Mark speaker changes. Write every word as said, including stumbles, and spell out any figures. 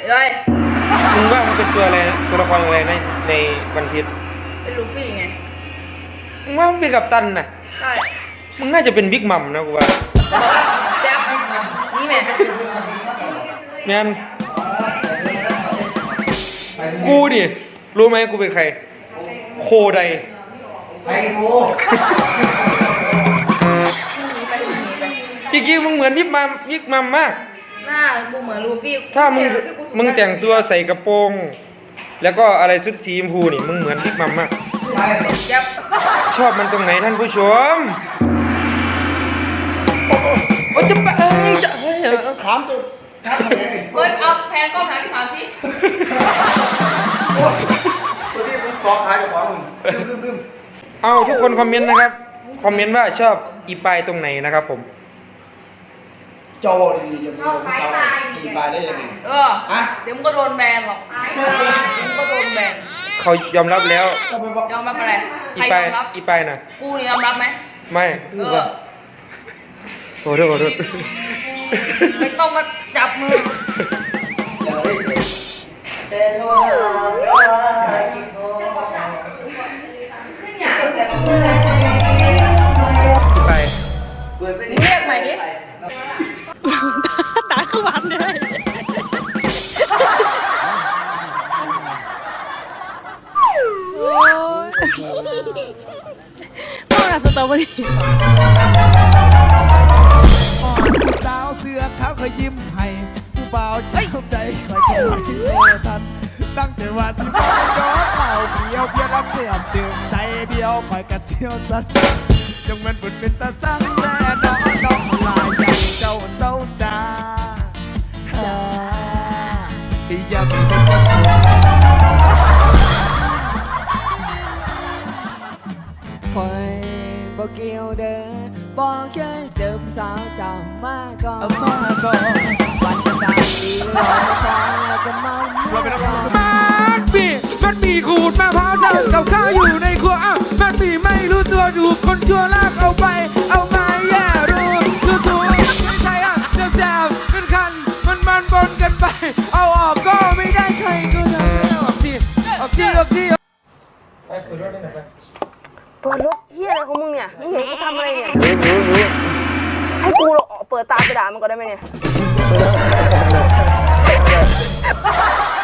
Speaker 1: เลย
Speaker 2: มึงว่ามันเป็นตัวอะไรตัวละครอะไรในในวันพีช
Speaker 1: เป็นลูฟี่ไง
Speaker 2: มึงว่ามันเป็นกัปตันน่ะ
Speaker 1: ใช่
Speaker 2: มึงน่าจะเป็นบิ๊กมัมนะกูว่า
Speaker 1: แจ๊บนี่แม่
Speaker 2: แมนกูดิรู้ไหมกูเป็นใครโคได
Speaker 3: ใครกู
Speaker 2: จริงๆมึงเหมือนบิ๊กมัมบิ๊กมัมมาก
Speaker 1: หน้ากูเหมือนลูฟี่
Speaker 2: ถ้ามึงมึงแต่งตัวใส่กระโปรงแล้วก็อะไรชุดสีชมพูนี่มึงเหมือนบิ๊กมัมมากชอบมันตรงไหนท่านผู้ชมโอ้จะไปเอ้ยจะเฮ้ย
Speaker 3: ถามตัวถามอะไร
Speaker 1: เฮ้ยเอาแพนกล้องหาพี่ถามสิ
Speaker 3: ตัวที่มึงกอขายกับของมึงลืมลืมลืม
Speaker 2: เอาทุกคนคอมเมนต์นะครับคอมเมนต์ว่าชอบอีปายตรงไหนนะครับผม
Speaker 3: จอบอกดีๆอย่าไปบอกสาวอีปายได้ยังไง
Speaker 1: เอออะเดี๋ยวมึงก็โดนแบนหรอกเดี๋ยวมึงก็โดนแบน
Speaker 2: เขายอมรับแล้ว
Speaker 1: ยอมรับอะไร
Speaker 2: อีปายอีปายนะ
Speaker 1: กูนี่ยอมรับไหม
Speaker 2: ไม่
Speaker 1: เออ
Speaker 2: โอ้โหโอ้โห
Speaker 1: ไม่ต้องมาจับมือ
Speaker 3: แต่โทรหาพี่โทร
Speaker 2: อีปาย
Speaker 1: เรียกใหม่ดิ
Speaker 4: ตาคือวันเลยโอ้ยพ่อหน้าสตรอเบอรี่
Speaker 5: สาวเสื้อขาวเคยยิ้มให้ผู้บ่าวเจ้าใจคอยคอยคิดเธอทันตั้งแต่ว่าสิบย้อนเล่าเพียวเพียงรับเตือนตื่นใจเดียวคอยกระเซียวสัตว์จงมันบุญเป็นตาสั่งแต่น้องน้องลายอย่างเจ้าเศร้าสาที่ยังเป็น
Speaker 4: คอยบอกเกี่ยวเด้อบอกแค่เจอสาวเจ้ามาก่อน
Speaker 5: มาก่อน
Speaker 4: วันจะจากดีรอมาช้าแล้วก็มา
Speaker 5: เราเป็นนัก
Speaker 2: ม
Speaker 5: มั
Speaker 2: นปีมันปีขูดมะพร้าวเจ้ากับข้าวอยู่ในครัวอ้าวมันปีไม่รู้ตัวถูกคนชั่วลากเอาไปเอามาแย่รู้ถูกถูกไม่ใช่อ่ะเจ็บแสบเป็นคันมันมันบนกันไปเอาออกก็ไม่ได้ใครก็ทำออกสิออกสิออกสิไปเปิดรถได้ไหนไป
Speaker 1: เปิดรถเฮียอะไรของมึงเนี่ยมึงเห็นกูทำอะไรเนี่ย
Speaker 2: รู้รู้รู้
Speaker 1: ให้กูเปิดตาไปด่ามันก็ได้ไหมเนี่ย